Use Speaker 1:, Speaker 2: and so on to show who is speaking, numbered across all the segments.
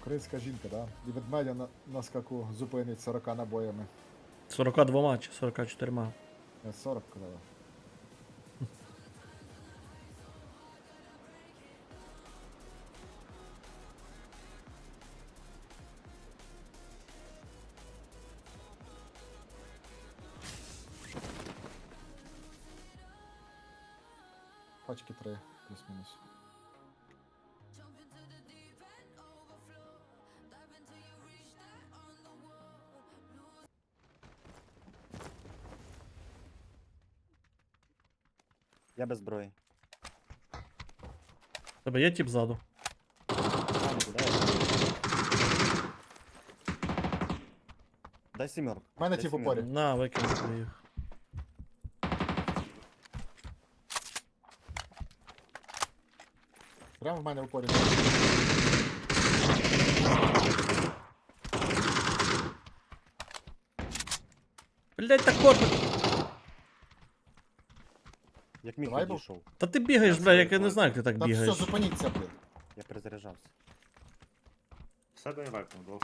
Speaker 1: Українська жінка, да? І ведмедя на скаку зупинить 40 набоями.
Speaker 2: 42 чи 44.
Speaker 1: Я 40 казала. Пачки 3, плюс-мінус.
Speaker 3: Я без зброї.
Speaker 2: Тебе є тип ззаду?
Speaker 3: Дай сімерку.
Speaker 1: У мене
Speaker 3: Дай
Speaker 1: ті в
Speaker 3: сімерку.
Speaker 1: упорі.
Speaker 2: На, викинь їх.
Speaker 1: Прямо в мене в упорі.
Speaker 2: Блять, так корпус.
Speaker 3: Як міг
Speaker 1: Давай,
Speaker 3: відійшов.
Speaker 2: Та ти бігаєш, бля, як я не знаю, як ти так
Speaker 1: Та все,
Speaker 2: бігаєш.
Speaker 1: зупиніться, блін.
Speaker 3: Я перезаряджався.
Speaker 4: Все дай вайпнув, двох.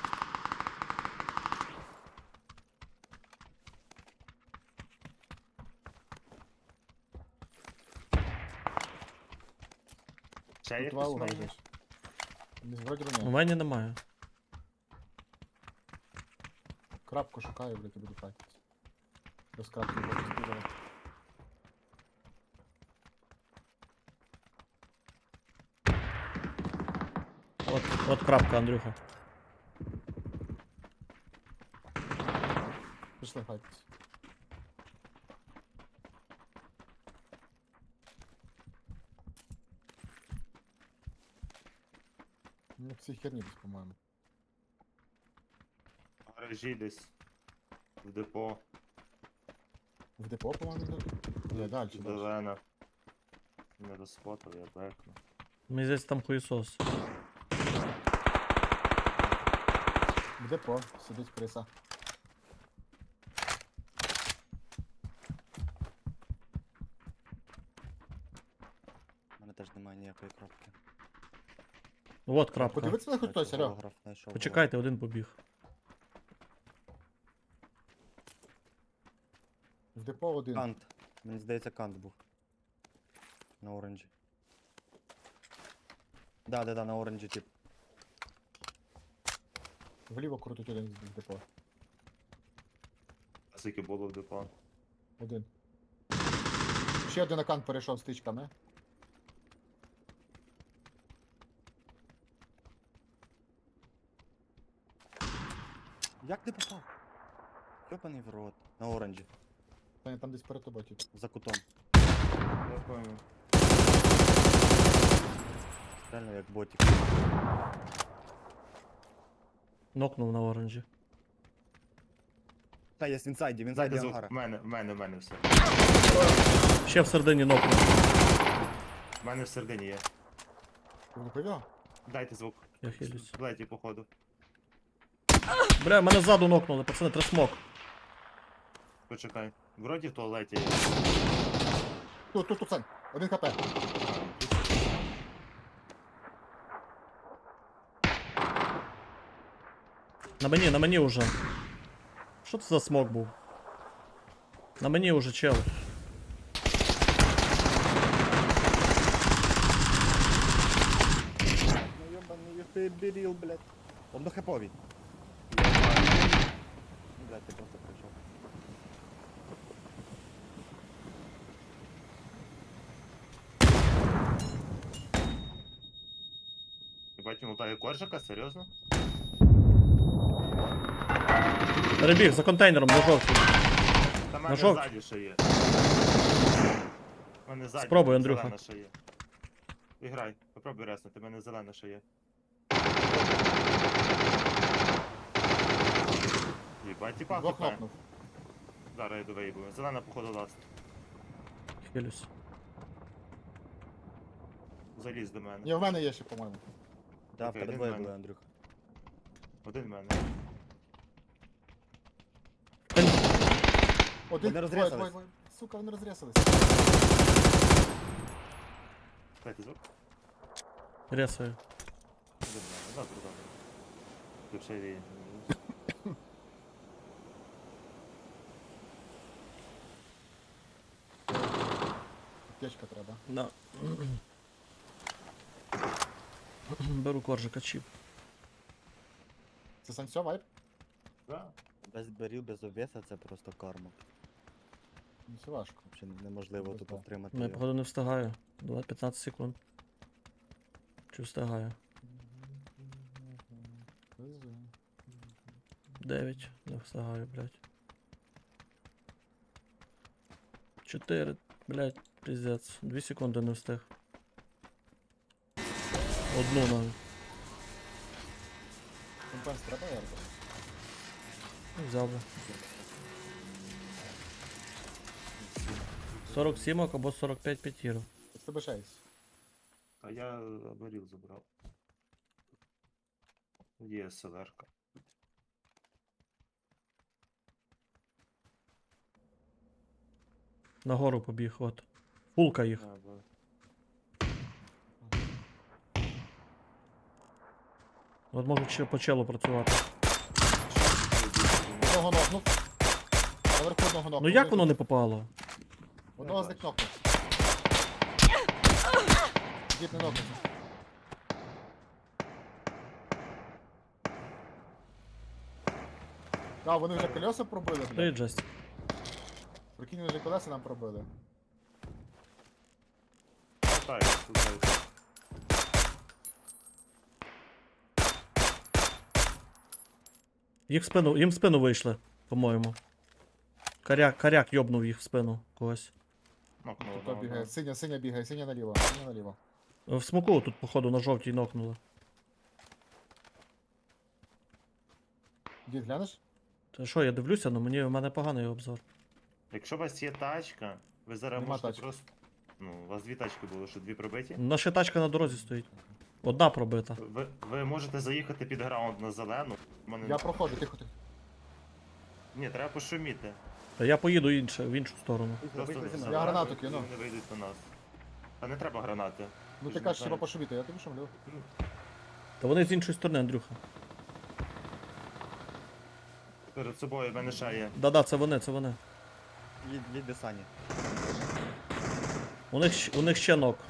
Speaker 4: Ще є
Speaker 1: Тут два
Speaker 4: хтось
Speaker 1: угла
Speaker 4: має?
Speaker 1: десь. Вроді би
Speaker 2: У
Speaker 1: ні.
Speaker 2: мене немає.
Speaker 1: Крапку шукаю, блядь, і буду файтитися. Без крапки не хочу збігати.
Speaker 2: От крапка, Андрюха.
Speaker 1: Пішли файтитися. Ну, в цій херні десь, по-моєму.
Speaker 4: В гаражі десь. В депо.
Speaker 1: В депо, по-моєму, де? Ні, далі.
Speaker 4: Зелена. Не розфотав, я бекну.
Speaker 2: Мені здається, там хуєсос.
Speaker 1: В депо сидить криса.
Speaker 3: У мене теж немає ніякої кропки.
Speaker 2: От крапка.
Speaker 1: Подивіться на хоч хтось, Серега.
Speaker 3: Голограф знайшов.
Speaker 2: Почекайте, один побіг.
Speaker 1: В депо один.
Speaker 3: Кант. Мені здається, кант був. На оранжі. Да, на оранжі тип.
Speaker 1: Вліво крутить один в депо.
Speaker 4: А скільки було в депо?
Speaker 1: Один. Ще один аккаунт перейшов з тичками.
Speaker 3: Як ти попав? Йопаний в рот. На оранжі.
Speaker 1: Та там десь перед тобою, тип.
Speaker 3: За кутом.
Speaker 4: Я понял.
Speaker 3: Реально як ботик.
Speaker 2: Нокнув на оранжі.
Speaker 3: Та, є в інсайді, в інсайді
Speaker 4: Дайте звук.
Speaker 3: ангара.
Speaker 4: В мене все.
Speaker 2: Ще всередині нокнув.
Speaker 4: В мене всередині є.
Speaker 1: Ти не повів?
Speaker 4: Дайте звук.
Speaker 2: Я хилюсь.
Speaker 4: В леті, походу.
Speaker 2: Бля, мене ззаду нокнули, пацани, треба смок.
Speaker 4: Почекай. Вроді в туалеті є.
Speaker 1: Тут, Сань. Один хп.
Speaker 2: На мені уже. Що це за смок був? На мені уже чел.
Speaker 3: Ну йобаний ти біріл, блядь. Он до хепові. Блядь, ти просто прийшов.
Speaker 4: Бать, лутає коржика, серйозно?
Speaker 2: Перебіг за контейнером на жовтій.
Speaker 4: Та мене
Speaker 2: жовтій.
Speaker 4: ззаді ще є. У мене ззаді.
Speaker 2: Спробуй, Андрюха.
Speaker 4: Зелена ще є. Іграй, попробуй резнути, в мене зелена ще є. Єбать, тіпа
Speaker 1: Двох
Speaker 4: хп.
Speaker 1: нокнув.
Speaker 4: Зараз я йду виїбую. Зелена, походу, ласт.
Speaker 2: Хилюсь.
Speaker 4: Заліз до мене.
Speaker 1: Ні, в мене є ще, по-моєму.
Speaker 3: Да, в
Speaker 4: Окей,
Speaker 3: тебе
Speaker 4: один
Speaker 3: двоє
Speaker 4: в мене.
Speaker 3: були, Андрюха.
Speaker 4: Один в мене.
Speaker 1: Один,
Speaker 3: Вони
Speaker 1: двоє.
Speaker 3: розрізались.
Speaker 1: Сука, вони розрізались.
Speaker 4: Дайте звук.
Speaker 2: Ресаю.
Speaker 4: Один в мене. Добре, добре. Ключові.
Speaker 1: Аптечка треба.
Speaker 2: Да. Беру коржика чіп.
Speaker 1: Це Сансьо вайп?
Speaker 4: Да.
Speaker 3: Без барів, без обвеса це просто карма.
Speaker 1: Ну це важко.
Speaker 3: Взагалі неможливо
Speaker 1: Без
Speaker 3: тут
Speaker 1: да.
Speaker 3: отримати.
Speaker 2: Ну, я
Speaker 3: його.
Speaker 2: походу не встигаю. 15 секунд. Чи встигаю? 9. Не встигаю, блядь. 4. Блядь, пиздец. 2 секунди не встиг. Одну навіть.
Speaker 1: Компенс треба ярко?
Speaker 2: Взяв би. 47 або 45 п'ятірок.
Speaker 1: З тебе 6.
Speaker 4: А я аборіл забрав. Є селерка.
Speaker 2: Нагору побіг, от. Фулка їх. От можуть ще по челу працювати.
Speaker 1: Одного нокнув. Наверху одного нокнув.
Speaker 2: Ну як воно не попало?
Speaker 1: Одного з них нокнув. Дід не нокнувся. А, вони вже колеса пробили,
Speaker 2: Ти
Speaker 1: блядь.
Speaker 2: Джест.
Speaker 1: Прикинь, вони вже колеса нам пробили.
Speaker 4: Так, тут
Speaker 2: Їм в спину вийшли, по-моєму. Коряк йобнув їх в спину когось.
Speaker 4: нокнуло
Speaker 1: Хто
Speaker 4: одного,
Speaker 1: бігає?
Speaker 4: да.
Speaker 1: Синя бігає, синя наліво, синя наліво.
Speaker 2: В смоку тут, походу, на жовтій нокнули.
Speaker 1: Дід, глянеш?
Speaker 2: Та що, я дивлюся, але в мене поганий обзор.
Speaker 4: Якщо у вас є тачка, ви зараз
Speaker 1: Нема
Speaker 4: можете
Speaker 1: тачки.
Speaker 4: просто. Ну, у вас дві тачки було, що дві пробиті.
Speaker 2: Наша тачка на дорозі стоїть. Одна пробита.
Speaker 4: Ви можете заїхати під граунд на зелену. У мене...
Speaker 1: Я проходжу, тихо, тихо.
Speaker 4: Ні, треба пошуміти.
Speaker 2: Та я поїду в іншу сторону.
Speaker 4: Просто
Speaker 3: Виходь зі
Speaker 4: не
Speaker 3: мною.
Speaker 1: Я
Speaker 4: заважайте,
Speaker 1: гранату кину.
Speaker 4: Вони не вийдуть до нас. Та не треба гранати.
Speaker 1: Ну
Speaker 4: Ти
Speaker 1: ти
Speaker 4: ж
Speaker 1: кажеш,
Speaker 4: не
Speaker 1: треба
Speaker 4: знаєш.
Speaker 1: пошуміти, я тобі шумлю.
Speaker 2: Та вони з іншої сторони, Андрюха.
Speaker 4: Перед собою в мене ще є.
Speaker 2: Да-да, це вони.
Speaker 3: Їдь Сані.
Speaker 2: У них ще нок.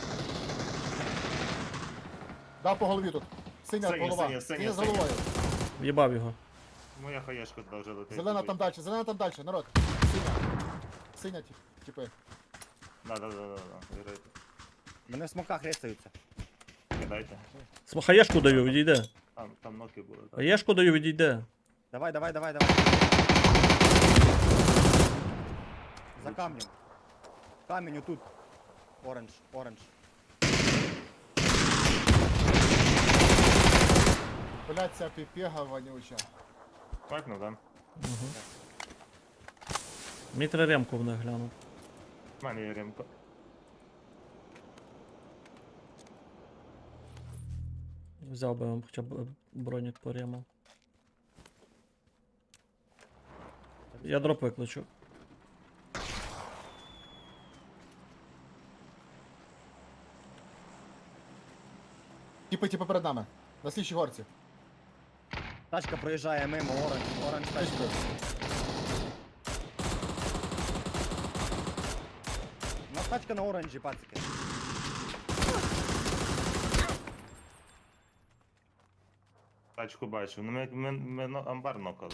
Speaker 1: Дав по голові тут. Синя
Speaker 4: Синя,
Speaker 1: голова.
Speaker 4: синя,
Speaker 1: Синя з
Speaker 4: синя.
Speaker 1: головою.
Speaker 2: В'їбав його.
Speaker 4: Моя хаєшка туди вже летить.
Speaker 1: Зелена там далі, народ. Синя. Синя, типи.
Speaker 4: Да. Вірайте.
Speaker 3: Мене в смоках рисаються.
Speaker 4: Кидайте.
Speaker 2: Хаєшку даю, відійде.
Speaker 4: Там ноки були. Так.
Speaker 2: Хаєшку даю, відійде.
Speaker 3: Давай. За камнем. Камінь отут. Оранж.
Speaker 1: Блять, ця піпега вонюча.
Speaker 4: Макнув, да?
Speaker 2: Угу. Мені треба ремку в них глянути.
Speaker 4: У мене є ремка.
Speaker 2: Взяв би вам хоча б бронік по рему. Я дроп викличу.
Speaker 1: Типи перед нами. На слідчій горці.
Speaker 3: Тачка проїжджає мимо, оранж тачка.
Speaker 1: Тички.
Speaker 3: У нас тачка на оранжі, пацики.
Speaker 4: Тачку бачу. Ну ми амбар нокали.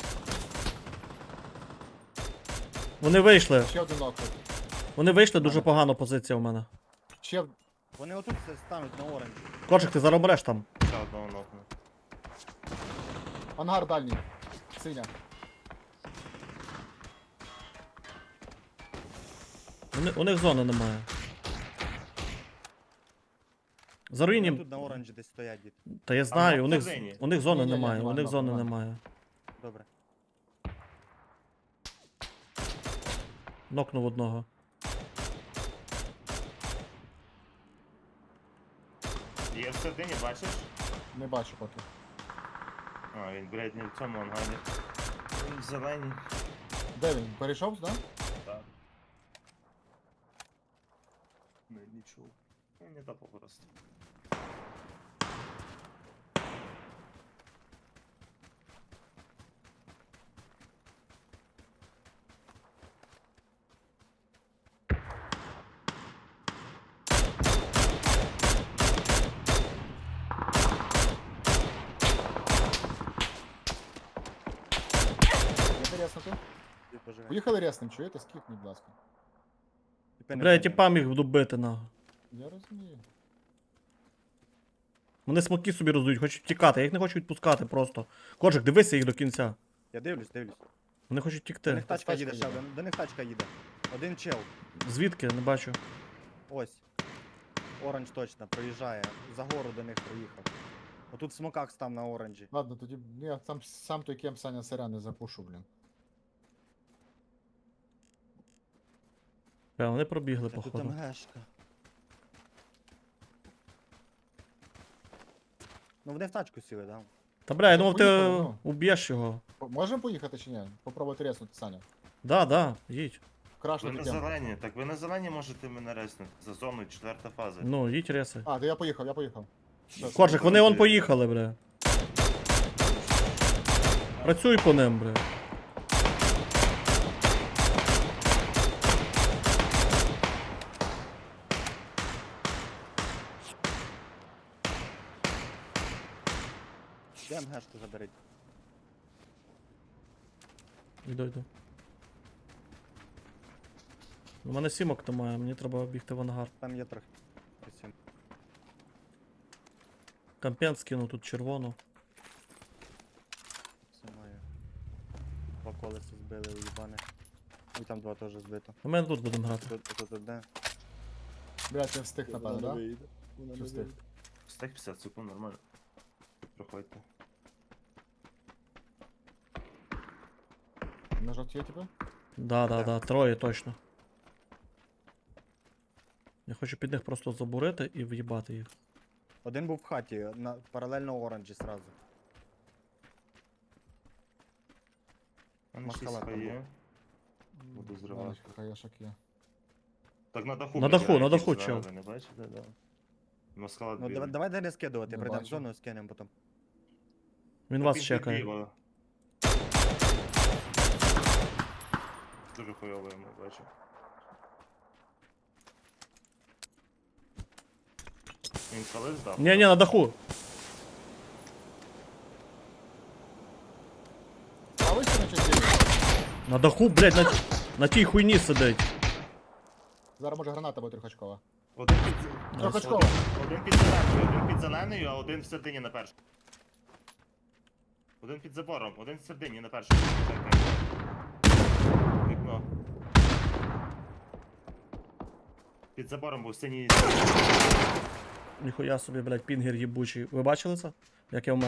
Speaker 2: Вони вийшли.
Speaker 1: Ще один нок.
Speaker 2: Вони вийшли, дуже погана позиція у мене.
Speaker 1: Ще
Speaker 3: Вони отут все стануть на оранжі.
Speaker 2: Корчик, ти зараз береш там.
Speaker 4: Ще одного нокну.
Speaker 1: ангар дальній. Синя.
Speaker 2: У них зони немає. За
Speaker 3: Вони
Speaker 2: руїнім.
Speaker 3: тут на оранжі десь стоять, дід.
Speaker 2: Та я знаю,
Speaker 4: на
Speaker 2: у них
Speaker 4: всередині.
Speaker 2: зони
Speaker 1: Ні-ні-ні,
Speaker 2: немає, у
Speaker 1: нема,
Speaker 2: них
Speaker 1: нема,
Speaker 2: зони
Speaker 1: нема.
Speaker 2: немає.
Speaker 3: Добре.
Speaker 2: Нокнув одного.
Speaker 4: Є всередині, бачиш?
Speaker 1: Не бачу поки.
Speaker 4: А, він, блядь, не в цьому ангарі. Він в зеленій.
Speaker 1: Де він? Перейшов, да?
Speaker 4: Так. Не чув. Ну, не топав просто.
Speaker 3: Пожигай.
Speaker 1: Поїхали ресним, чуєте? Скіпніть, будь ласка.
Speaker 3: Тіпи не
Speaker 2: Бля, я
Speaker 3: впевнені.
Speaker 2: тіпа міг добити, нахуй.
Speaker 1: Я розумію.
Speaker 2: Вони смоки собі роздають, хочуть втікати, я їх не хочу відпускати просто. Коржик, дивися їх до кінця.
Speaker 3: Я дивлюсь.
Speaker 2: Вони хочуть
Speaker 3: До них
Speaker 2: втікти.
Speaker 3: тачка
Speaker 1: тачка
Speaker 3: їде ще
Speaker 1: їде.
Speaker 3: один. До них тачка їде. Один чел.
Speaker 2: Звідки? Не бачу.
Speaker 3: Ось. Оранж точно, проїжджає. За гору до них проїхав. Отут в смоках став на оранжі.
Speaker 1: Ладно, тоді я сам той кем Саня Сиря не запушу, блін.
Speaker 2: Бля, вони пробігли,
Speaker 3: Та тут
Speaker 2: походу.
Speaker 3: МГшка. Ну вони в тачку сіли, да?
Speaker 2: Та бля, я думав, ти
Speaker 1: Поїхали, ну.
Speaker 2: уб'єш його.
Speaker 1: Можемо поїхати чи ні? Попробувати реснути, Саня.
Speaker 2: Да, їдь.
Speaker 4: Ви
Speaker 1: Крашнути
Speaker 4: на
Speaker 1: кем.
Speaker 4: зелені, так ви на зелені можете мене реснути. За зоною 4 фаза.
Speaker 2: Ну, їдь реси.
Speaker 1: А, то я поїхав. Все,
Speaker 2: Коржик, вони вон поїхали, бля. Працюй по ним, бля.
Speaker 3: Де МГшку заберіть?
Speaker 2: Йду. У мене сімок немає, мені треба бігти в ангар.
Speaker 3: Там є трохи. Присім.
Speaker 2: Кампен скину тут червону.
Speaker 3: Все маю. Два колеса збили, уїбане. І там два теж збито.
Speaker 2: А ми тут будемо грати.
Speaker 3: Тут одне.
Speaker 1: Блядь, я встиг, напевно, да? Чи встиг?
Speaker 4: Стек 50 секунд, нормально. Проходьте.
Speaker 1: На жовті є тебе?
Speaker 2: Да, троє точно. Я хочу під них просто забурити і в'їбати їх.
Speaker 3: Один був в хаті, паралельно оранжі сразу.
Speaker 4: У мене
Speaker 3: Маскалат
Speaker 4: 6
Speaker 3: там
Speaker 4: є. Буду зривати.
Speaker 1: Хаєшок є.
Speaker 4: Так на даху.
Speaker 2: На даху,
Speaker 4: підбігає,
Speaker 2: на даху,
Speaker 4: якийсь
Speaker 2: чел.
Speaker 4: зверху, не бачите, да. Маскалат
Speaker 3: Ну
Speaker 4: білий.
Speaker 3: давай не скидувати,
Speaker 1: Не
Speaker 3: прийдемо в
Speaker 1: бачу.
Speaker 3: зону, скинемо потім.
Speaker 2: Він
Speaker 4: Так
Speaker 2: вас
Speaker 4: він
Speaker 2: чекає.
Speaker 4: підліво. Дуже хуйово йому, бачу. Він коли здав?
Speaker 2: Ні, на даху.
Speaker 1: Правий чи на чотири?
Speaker 2: На даху, блядь, на тій хуйні сидить.
Speaker 1: Зараз може граната буде трьохочкова.
Speaker 4: Один під...
Speaker 1: Трьохочкова.
Speaker 4: Один під зеленою, один під зеленою, а один в середині на першому. Один під забором, один в середині на першому. Вікно. Під забором був синій.
Speaker 2: Ніхуя собі, блядь, пінгер їбучий. Ви бачили це? Як я вмер?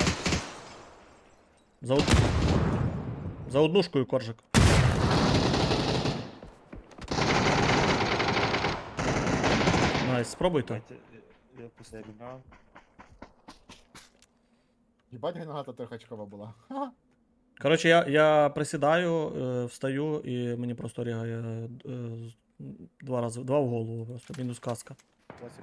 Speaker 2: За однушкою коржик. Найс, спробуйте.
Speaker 4: Я постріляв.
Speaker 1: Їбать граната трьохочкова була. Ха.
Speaker 2: Коротше, я присідаю, встаю і мені просто рігає два в голову, просто мінус каска.
Speaker 3: Класик.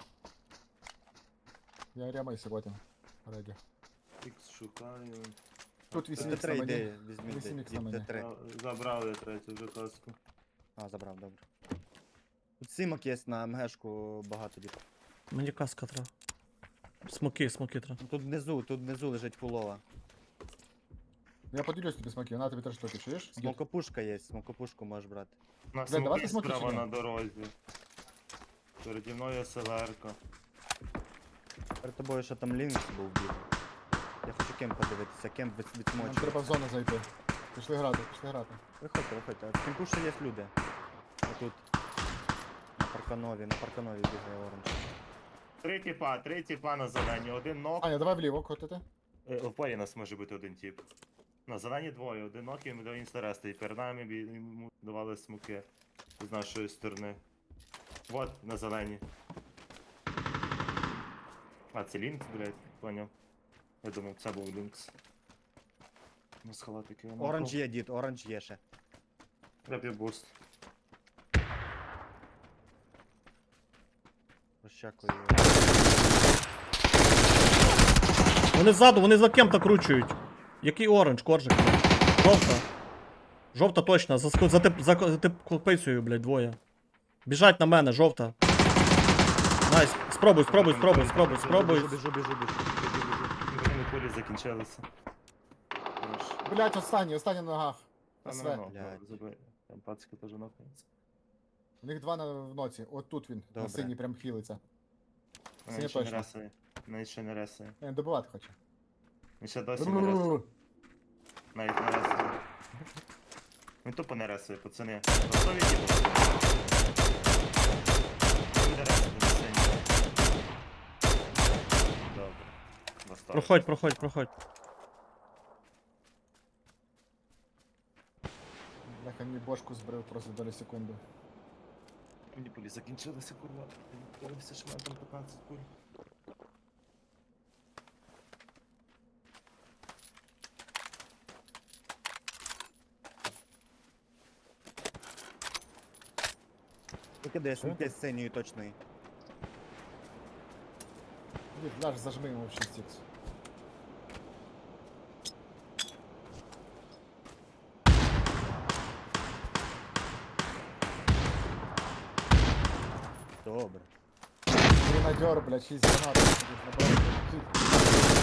Speaker 1: Я рямаюся потім. Реді.
Speaker 4: Ікс шукаю.
Speaker 1: Тут 8
Speaker 3: Тут
Speaker 1: х на
Speaker 3: три
Speaker 1: мені.
Speaker 3: йди, візьміть.
Speaker 1: 8х на мені.
Speaker 3: Т3.
Speaker 4: Забрав я третю вже каску.
Speaker 3: А, забрав, добре. Тут сімок є на МГшку багато дітей.
Speaker 2: Мені каска треба. Смоки треба.
Speaker 3: Тут внизу лежить фулова.
Speaker 1: Я поділюсь тобі смаки, на тобі 3 штуки, чуєш? Дід.
Speaker 3: Смокопушка є, смокопушку можеш брати.
Speaker 4: На
Speaker 1: Бля, давайте
Speaker 4: смоки
Speaker 1: смоки
Speaker 4: справа
Speaker 1: чи ні?
Speaker 4: на дорозі. Переді мною селерка.
Speaker 3: Перед тобою ще там Лінкс був білий. Я хочу кемп подивитися, кемп
Speaker 1: Нам
Speaker 3: відсмочив.
Speaker 1: треба в зону зайти. Пішли грати.
Speaker 3: Виходьте. В кемпу ще є люди. Отут. На парканові бігає оранж.
Speaker 4: Три тіпа на зелені, один нок.
Speaker 1: Аня, давай вліво котити.
Speaker 4: В парі нас може бути один тіп. На зелені двоє, один нок і йому дав інстерести. І перед нами йому давали смоки з нашої сторони. Вот, на зелені. А, це Лінкс, блядь, поняв. Я думав, це був Лінкс. У нас халатики.
Speaker 3: Оранж є, дід, оранж є ще.
Speaker 4: Я п'ю буст.
Speaker 3: Розчакую.
Speaker 2: Вони ззаду, вони за кем-то кручують. Який оранж, коржик? Жовта. Жовта точно, за копицею, блядь, двоє. Біжать на мене, жовта. Найс. Спробуй.
Speaker 3: Біжу.
Speaker 4: Вони кулі закінчилися. Хорош.
Speaker 1: Блять, останній на ногах.
Speaker 4: Там
Speaker 1: СВ.
Speaker 4: на ногу
Speaker 3: Блядь.
Speaker 4: забив. Там пацька теж нокнеться.
Speaker 1: У них два в ноці. От тут він, на
Speaker 3: Добре.
Speaker 1: синій прям хілиться. Синя
Speaker 4: Він ще не
Speaker 1: точно.
Speaker 4: ресує. Він ще не ресує.
Speaker 1: Він добивати хоче.
Speaker 4: Він ще досі не ресує. Навіть не ресує. Він тупо не ресує, пацани. Готові діти? Він буде ресувати на сцені. Добре. Достав.
Speaker 2: Проходь.
Speaker 1: Бляха, мені бошку збрив просто долі секунди.
Speaker 4: Мені пулі закінчилися, курва. Дивився, що в мене там 15 пуль.
Speaker 3: Викидай
Speaker 1: Що?
Speaker 3: сміття з синьою точної.
Speaker 1: Дід, ляж, зажми йому в 6х.
Speaker 3: Добре.
Speaker 1: Гренадер, блядь, 6 гранат. Набрав.